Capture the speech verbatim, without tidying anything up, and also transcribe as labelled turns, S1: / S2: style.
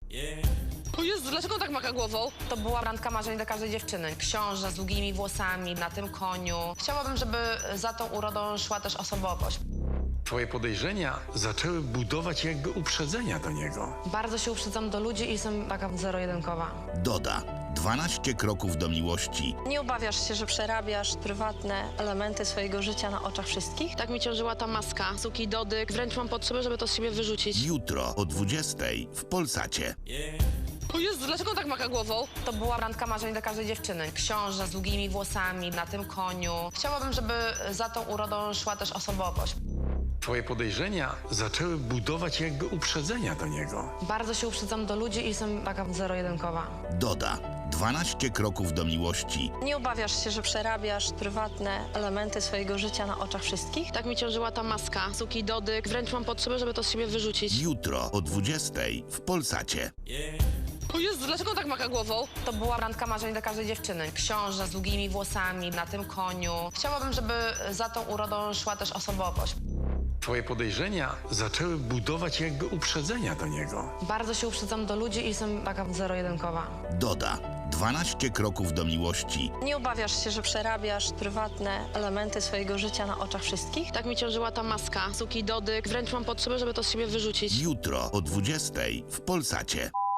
S1: O Jezu, dlaczego on tak maka głową?
S2: To była randka marzeń dla każdej dziewczyny. Książę z długimi włosami, na tym koniu. Chciałabym, żeby za tą urodą szła też osobowość.
S3: Twoje podejrzenia zaczęły budować jakby uprzedzenia do niego.
S2: Bardzo się uprzedzam do ludzi i jestem taka zero-jedynkowa.
S4: Doda. dwanaście kroków do miłości.
S5: Nie obawiasz się, że przerabiasz prywatne elementy swojego życia na oczach wszystkich?
S1: Tak mi ciążyła ta maska, suki dodyk. Wręcz mam potrzebę, żeby to z siebie wyrzucić.
S4: Jutro o dwudziestej w Polsacie.
S1: O Jezu, dlaczego on tak maka głową?
S2: To była randka marzeń dla każdej dziewczyny. Książę z długimi włosami, na tym koniu. Chciałabym, żeby za tą urodą szła też osobowość.
S3: Twoje podejrzenia zaczęły budować jakby uprzedzenia do niego.
S2: Bardzo się uprzedzam do ludzi i jestem taka zero-jedynkowa.
S4: Doda. dwanaście kroków do miłości.
S5: Nie obawiasz się, że przerabiasz prywatne elementy swojego życia na oczach wszystkich?
S1: Tak mi ciążyła ta maska, suki dodyk. Wręcz mam potrzebę, żeby to z siebie wyrzucić.
S4: Jutro o dwudziestej w Polsacie.
S1: O Jezu, dlaczego on tak maka głową?
S2: To była randka marzeń dla każdej dziewczyny. Książę z długimi włosami, na tym koniu. Chciałabym, żeby za tą urodą szła też osobowość.
S3: Twoje podejrzenia zaczęły budować jakby uprzedzenia do niego.
S2: Bardzo się uprzedzam do ludzi i jestem taka zero-jedynkowa.
S4: Doda. dwanaście kroków do miłości.
S5: Nie obawiasz się, że przerabiasz prywatne elementy swojego życia na oczach wszystkich?
S1: Tak mi ciążyła ta maska, suki dodyk. Wręcz mam potrzebę, żeby to z siebie wyrzucić.
S4: Jutro o dwudziestej w Polsacie.